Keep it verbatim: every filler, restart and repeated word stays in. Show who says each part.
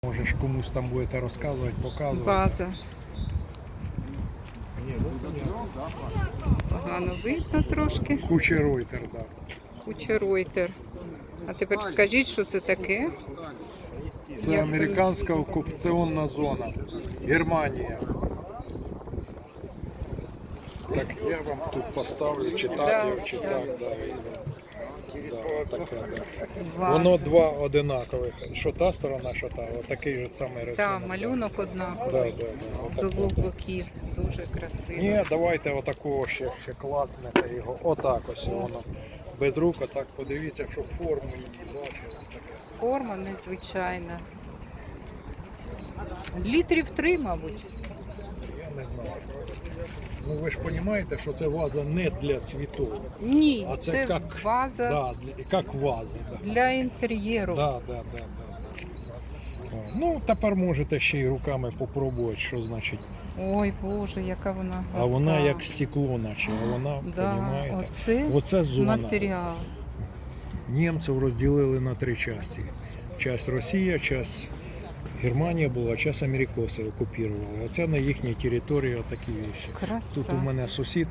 Speaker 1: Можеш комусь там будете розказувати, показувати.
Speaker 2: База. Погано видно трошки.
Speaker 1: Кучеройтер, так.
Speaker 2: Кучеройтер. А тепер скажіть, що це таке?
Speaker 1: Це
Speaker 2: Як
Speaker 1: американська окупаційна зона. Германія. Так я вам тут поставлю, чи так,
Speaker 2: Да,
Speaker 1: чи
Speaker 2: да.
Speaker 1: так, да. і- да, таке, да.
Speaker 2: Ваза.
Speaker 1: Воно два одинакових. Що та сторона, що та. Отакий же самий рисунок.
Speaker 2: Так,
Speaker 1: да.
Speaker 2: малюнок однаковий.
Speaker 1: Да, да, да,
Speaker 2: З
Speaker 1: отаке,
Speaker 2: обох
Speaker 1: да.
Speaker 2: боків. Дуже красиво.
Speaker 1: Ні, давайте отакого ще, ще клацнете його. Отак ось воно. Без рук, отак подивіться, щоб форму її бачили. Таке.
Speaker 2: Форма незвичайна. Літрів три, мабуть.
Speaker 1: Я не знаю. Ну ви ж розумієте, що це ваза не для цвітів.
Speaker 2: Ні,
Speaker 1: А це
Speaker 2: це
Speaker 1: як-
Speaker 2: ваза
Speaker 1: Да, для- як ваза. Да.
Speaker 2: для інтер'єру.
Speaker 1: Да, да, да, да, да. О, ну, тепер можете ще й руками попробувати, що значить.
Speaker 2: Ой, Боже, яка вона
Speaker 1: А вона
Speaker 2: гарна.
Speaker 1: як стекло, наче, а вона,
Speaker 2: Да,
Speaker 1: розумієте?
Speaker 2: оце
Speaker 1: Оце зона.
Speaker 2: матеріал.
Speaker 1: Німців розділили на три частини. Часть Росія, часть Германія була, часть америкоси окупували. Оце на їхній території такі речі.
Speaker 2: Краса.
Speaker 1: Тут у мене сусід